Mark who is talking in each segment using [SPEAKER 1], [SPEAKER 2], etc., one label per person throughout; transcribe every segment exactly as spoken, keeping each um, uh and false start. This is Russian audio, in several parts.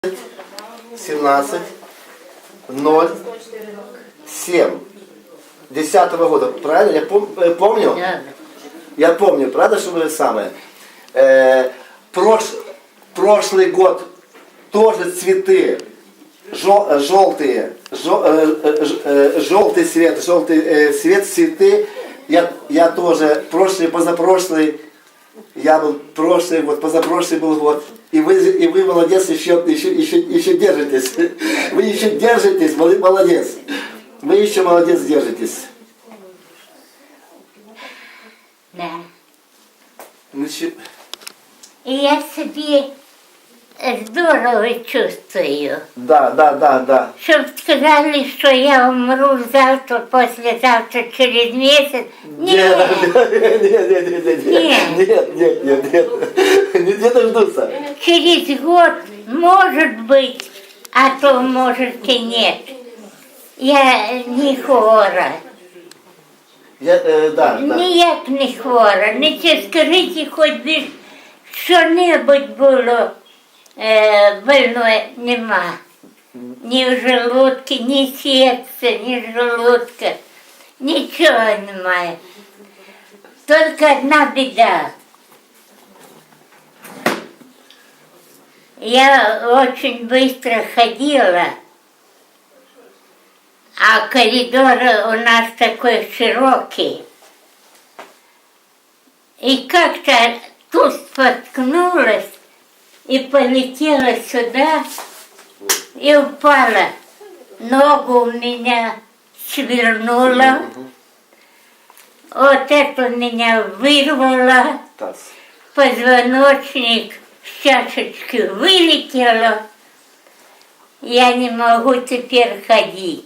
[SPEAKER 1] семнадцать ноль семь десятого года, правильно? Я пом помню? Я помню, правда, что вы самое? Э, прош прошлый год тоже цветы жел желтые, жел э, э, желтый цвет, желтый э, цвет, цветы. Я, я тоже прошлый, позапрошлый, я был прошлый год, позапрошлый был год. И вы, и вы молодец, еще, еще, еще, еще держитесь. Вы еще держитесь, молодец. Вы еще молодец, держитесь.
[SPEAKER 2] Да.
[SPEAKER 1] Ну,
[SPEAKER 2] и я себе здорово чувствую.
[SPEAKER 1] Да, да, да, да.
[SPEAKER 2] Чтоб сказали, что я умру завтра, послезавтра, через месяц. Нет,
[SPEAKER 1] нет, нет, нет, нет, нет, нет, нет, нет, нет, не дождутся.
[SPEAKER 2] Через год, может быть, а то, может, и нет. Я не хвора.
[SPEAKER 1] Я, е, да, да.
[SPEAKER 2] Ніяк не хвора. Не це скажіть, хоч би що-небудь було е, больне, нема. Ні в желудці, ні серця, ні желудка. Нічого немає. Тільки одна біда. Я очень быстро ходила, а коридор у нас такой широкий. И как-то тут споткнулась и полетела сюда и упала. Ногу у меня свернула, вот это меня вырвало, позвоночник с чашечки вылетело. Я не могу теперь ходить.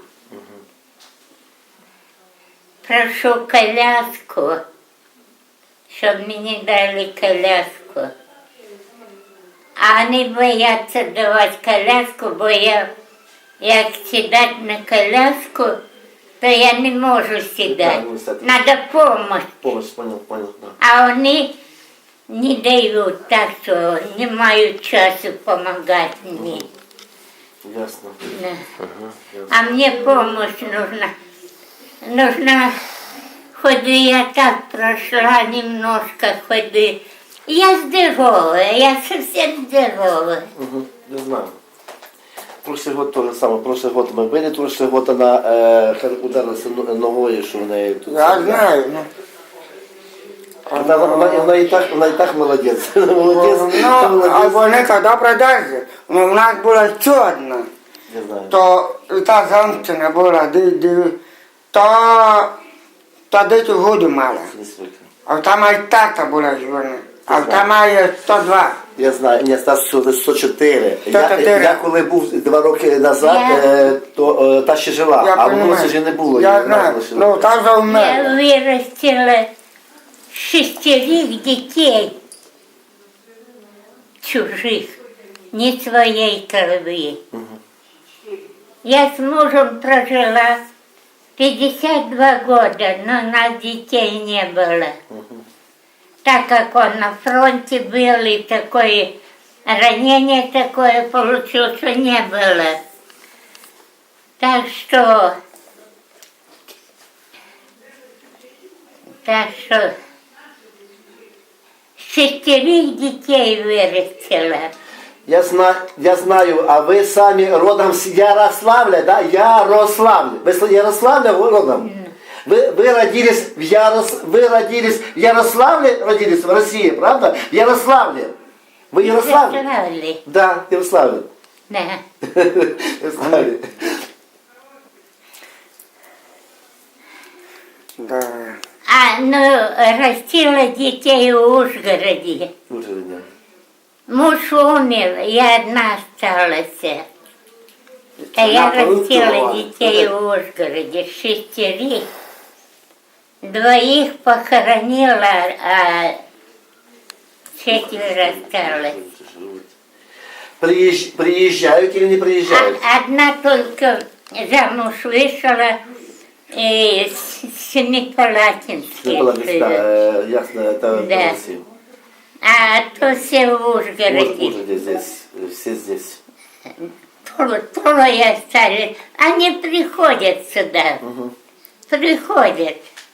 [SPEAKER 2] Прошу коляску, чтобы мне дали коляску. А они боятся давать коляску, бо я, як сідати на коляску, то я не можу сідати.
[SPEAKER 1] Да,
[SPEAKER 2] надо помощь.
[SPEAKER 1] Помощь, понял, понял, да.
[SPEAKER 2] А они не дают, так что не маю часу помогать мне.
[SPEAKER 1] Ясно.
[SPEAKER 2] Да.
[SPEAKER 1] Ага, ясно.
[SPEAKER 2] А мне помощь нужна. Нужна ходы, я так прошла немножко ходы. Я здоровая, я совсем здоровая.
[SPEAKER 1] Угу, не знаю. Прошлый год то же самое. Прошлый год мы были, прошлый год она э, ударилась ногой, что у нее тут.
[SPEAKER 3] Я знаю, ну.
[SPEAKER 1] Она, она, она, и так, она и так молодец. Молодец.
[SPEAKER 3] Ну, а вони коли продажі, ну, у нас була ще одна.
[SPEAKER 1] Не знаю.
[SPEAKER 3] То і та замчена була, ди, ди, то, то десь году мала.
[SPEAKER 1] Несколько.
[SPEAKER 3] А там і тата була жвана. А там має сто два.
[SPEAKER 1] Я знаю, ні, Стас сто чотири. Я,
[SPEAKER 3] сто чотири.
[SPEAKER 1] я коли був два роки назад,
[SPEAKER 2] Я-
[SPEAKER 1] е, то е, та ще жила,
[SPEAKER 3] Я
[SPEAKER 1] а в
[SPEAKER 3] понимаю.
[SPEAKER 1] Мосі вже не було.
[SPEAKER 3] Я
[SPEAKER 1] її, вона
[SPEAKER 3] знаю,
[SPEAKER 1] лишила.
[SPEAKER 3] ну, та вже
[SPEAKER 2] Я
[SPEAKER 3] вмерла.
[SPEAKER 2] вырастила шестерых детей чужих, не своей крови. Я с мужем прожила пятьдесят два года, но у нас детей не было. Так как он на фронте был и такое ранение такое получил, что не было. Так что, так что шестерых детей вырастила.
[SPEAKER 1] Я знаю, я знаю, а вы сами родом с Ярославля, да? Ярославль. Вы с Ярославля родом? Вы, вы родились в Ярос... вы родились в Ярославле, родились в России, правда? В Ярославле. Вы Ярославле?
[SPEAKER 2] Ярославле.
[SPEAKER 1] Да, Ярославле.
[SPEAKER 2] Да.
[SPEAKER 1] Ярославле.
[SPEAKER 3] Да.
[SPEAKER 2] А, ну, растила детей в Ужгороде.
[SPEAKER 1] Уже нет.
[SPEAKER 2] Муж умер, я одна осталась. А я
[SPEAKER 1] Она
[SPEAKER 2] растила
[SPEAKER 1] получила.
[SPEAKER 2] детей в Ужгороде, шестерых. Двоих похоронила, а четверо осталось.
[SPEAKER 1] Приезж... Приезжают или не приезжают?
[SPEAKER 2] А, одна только замуж вышла и с Семипалатинской.
[SPEAKER 1] Не было места, э, ясно, это
[SPEAKER 2] Да.
[SPEAKER 1] Россия.
[SPEAKER 2] А то все в
[SPEAKER 1] Вот
[SPEAKER 2] Ужгороде.
[SPEAKER 1] уже здесь. все здесь.
[SPEAKER 2] Тро- Трое остались. Они приходят сюда. Приходят.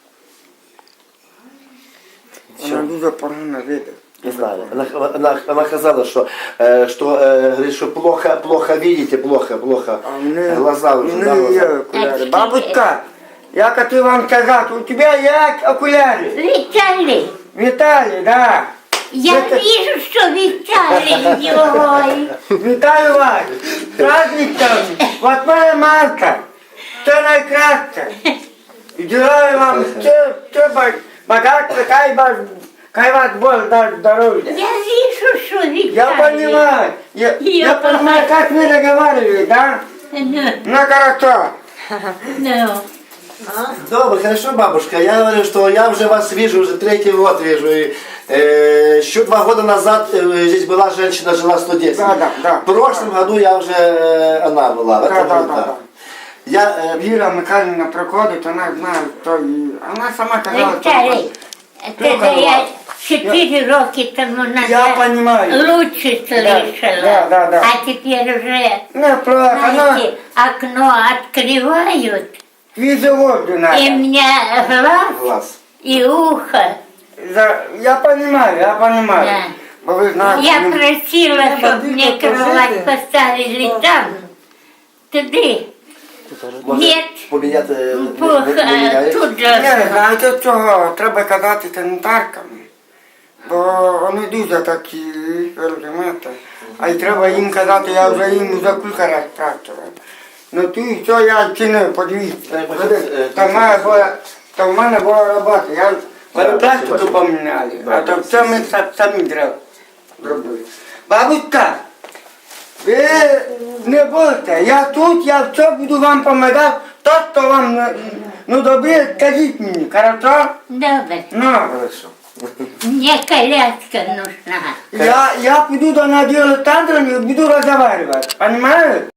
[SPEAKER 3] Вона дуже погано видить.
[SPEAKER 1] Не знаю. Она, она, она сказала, что, э, что, э, говорит, что плохо, плохо видите, плохо, плохо.
[SPEAKER 3] А мне,
[SPEAKER 1] Глаза уже, да,
[SPEAKER 3] мне є
[SPEAKER 1] глаза.
[SPEAKER 3] окуляри. Бабушка, я хотів вам сказати, у тебе є окуляри?
[SPEAKER 2] Виталий,
[SPEAKER 3] Віталій, да.
[SPEAKER 2] я
[SPEAKER 3] Это-
[SPEAKER 2] вижу, что Виталий. Ой.
[SPEAKER 3] Вітаю вас! З праздником! восьмого марта! Це найкраще! І желаю вам все, все ба- багатство, хай вас, хай вас Бог дасть здоров'я!
[SPEAKER 2] Я вижу, что Виталий.
[SPEAKER 3] Я понимаю, я,
[SPEAKER 2] Я
[SPEAKER 3] я понимаю, как мы разговаривали, да?
[SPEAKER 2] Ну,
[SPEAKER 3] Ну хорошо.
[SPEAKER 2] ну.
[SPEAKER 1] Добро, хорошо, бабушка. Я говорю, что я уже вас вижу, уже третий год вижу. И, э, еще два года назад э, здесь была женщина, жила сто десять.
[SPEAKER 3] Да, да, да.
[SPEAKER 1] В прошлом году я уже, э, она была. в
[SPEAKER 3] Да,
[SPEAKER 1] этом
[SPEAKER 3] да,
[SPEAKER 1] году,
[SPEAKER 3] да, да.
[SPEAKER 1] Я, э,
[SPEAKER 3] Віра Михайлівна приходить, вона знає, хто її. Вона сама казала, що...
[SPEAKER 2] Виталий, когда я четыре роки тому
[SPEAKER 3] Я
[SPEAKER 2] назад
[SPEAKER 3] понимаю.
[SPEAKER 2] лучше слышала,
[SPEAKER 3] да, да, да.
[SPEAKER 2] а теперь уже,
[SPEAKER 3] Не плохо, но
[SPEAKER 2] знаете, окно открывают,
[SPEAKER 3] свіжий воздух
[SPEAKER 2] и
[SPEAKER 3] надо.
[SPEAKER 2] мне глаз
[SPEAKER 1] глаз.
[SPEAKER 2] и ухо.
[SPEAKER 3] За- Я понимаю, я понимаю.
[SPEAKER 2] Да.
[SPEAKER 3] Бо ви знаєте,
[SPEAKER 2] Я
[SPEAKER 3] ну,
[SPEAKER 2] просила, чтобы мне кровать поставили там, туди.
[SPEAKER 1] Може,
[SPEAKER 2] Нет.
[SPEAKER 1] поміняти, не- не-
[SPEAKER 2] Плохо,
[SPEAKER 1] не міняєш?
[SPEAKER 2] тут
[SPEAKER 3] Ні,
[SPEAKER 2] же.
[SPEAKER 3] знаєте чого? Треба казати санітаркам. Бо вони дуже такі, розумієте. А й треба їм казати, я вже їм за кілька разів спрашивав. Ну ти що я чинив, подивіться.
[SPEAKER 1] Треба,
[SPEAKER 3] Ходи,
[SPEAKER 1] е,
[SPEAKER 3] Та в мене була, та в мене була робота. Я перепластику поміняли, а то все ми са- самі зробили. Бабушка, ви не бойте, я тут, я все буду вам допомагати. То, що вам не- ну добре, скажіть мені, хорошо?
[SPEAKER 2] Добре.
[SPEAKER 3] Ну,
[SPEAKER 1] Хорошо.
[SPEAKER 2] Мне коляска нужна.
[SPEAKER 3] я, я піду до Надії Олександровни і буду розмовляти, понимаєш?